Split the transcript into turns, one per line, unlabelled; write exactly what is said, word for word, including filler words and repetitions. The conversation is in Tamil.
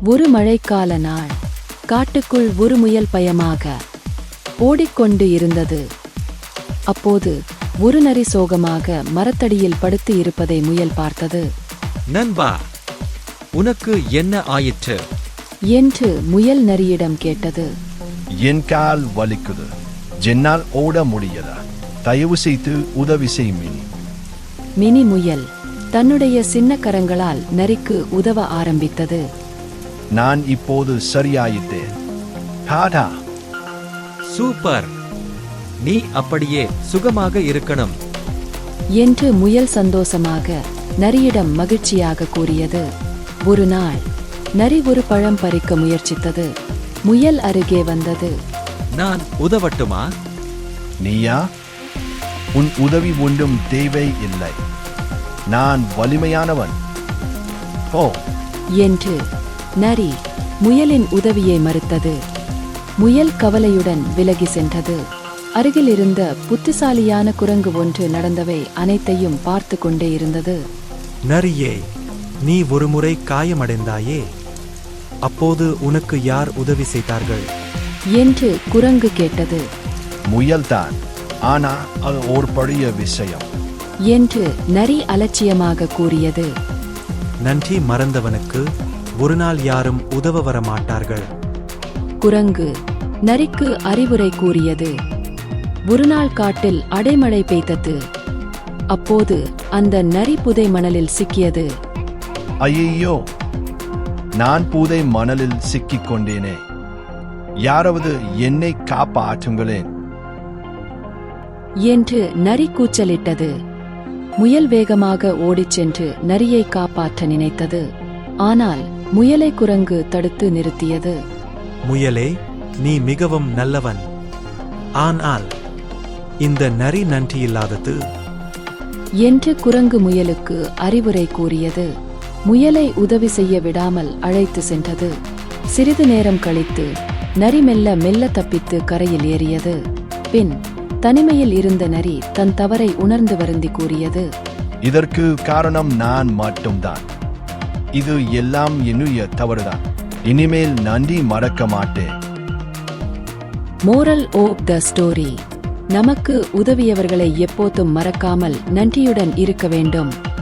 ஒரு மழைக்கால நாள். காட்டுக்குள் ஒரு முயல் பயமாக ஓடிக்கொண்டு இருந்தது. அப்போது ஒரு நரி சோகமாக மரத்தடியில் படுத்து இருப்பதை முயல் பார்த்தது.
நண்பா, உனக்கு என்ன ஆயிற்று
என்று முயல் நரியிடம் கேட்டது.
என் கால் வலிக்குது, என்னால் ஓட முடியல, தயவு செய்து உதவி செய் மினி.
மினி முயல் தன்னுடைய சின்ன கரங்களால் நரிக்கு உதவ ஆரம்பித்தது.
நான் இப்போது சரியாயிட்டேன். டாடா.
சூப்பர், நீ அப்படியே சுகமாக இருக்கணும்
என்று முயல் சந்தோஷமாக நரியிடம் மகிழ்ச்சியாக கூறியது. ஒரு நாள் நரி ஒரு பழம் பறிக்க முயற்சித்தது. முயல் அருகே வந்தது.
நான் உதவட்டுமா?
நீயா? உன் உதவி ஒன்றும் தேவை இல்லை, நான் வலிமையானவன். ஓ
என்று நரி முயலின் உதவியை மறுத்தது. முயல் கவலையுடன் விலகி சென்றது. அருகில் இருந்த புத்திசாலியான குரங்கு ஒன்று நடந்தவை அனைத்தையும் பார்த்து கொண்டே இருந்தது.
நரியே, நீ ஒருமுறை காயமடைந்தாயே, அப்போது உனக்கு யார் உதவி செய்தார்கள்
என்று குரங்கு கேட்டது.
முயல்தான், ஆனா அது ஒரு பழைய விஷயம்
என்று நரி அலட்சியமாக கூறியது.
நன்றி மறந்தவனுக்கு ஒரு நாள் யாரும் உதவ வர மாட்டார்கள்.
குரங்கு நரிக்கு அறிவுரை கூறியது. ஒரு நாள் காட்டில் அடைமழை பெய்தது. அப்போது அந்த நரி புதை மணலில் சிக்கியது.
ஐயோ, நான் புதை மணலில் சிக்கிக் கொண்டேனே, யாராவது என்னை காப்பாற்றுங்களேன்
என்று நரி கூச்சலிட்டது. முயல் வேகமாக ஓடிச் சென்று நரியை காப்பாற்ற நினைத்தது. ஆனால் முயலை குரங்கு தடுத்து நிறுத்தியது.
முயலே, நீ மிகவும் நல்லவன், ஆனால் இந்த நரி நன்றியில்லாதது
என்று குரங்கு முயலுக்கு அறிவுரை கூறியது. முயலை உதவி செய்ய விடாமல் அழைத்து சென்றது. சிறிது நேரம் கழித்து நரி மெல்ல மெல்ல தப்பித்து கரையில் ஏறியது. பின் தனிமையில் இருந்த நரி தன் தவறை உணர்ந்து வருந்தி கூறியது.
இதற்கு காரணம் நான் மட்டும்தான். இது எல்லாம் என்னுடைய தவறுதான். இனிமேல் நன்றி மறக்க மாட்டேன்.
மோரல் ஆஃப் த ஸ்டோரி: நமக்கு உதவியவர்களை எப்போதும் மறக்காமல் நன்றியுடன் இருக்க வேண்டும்.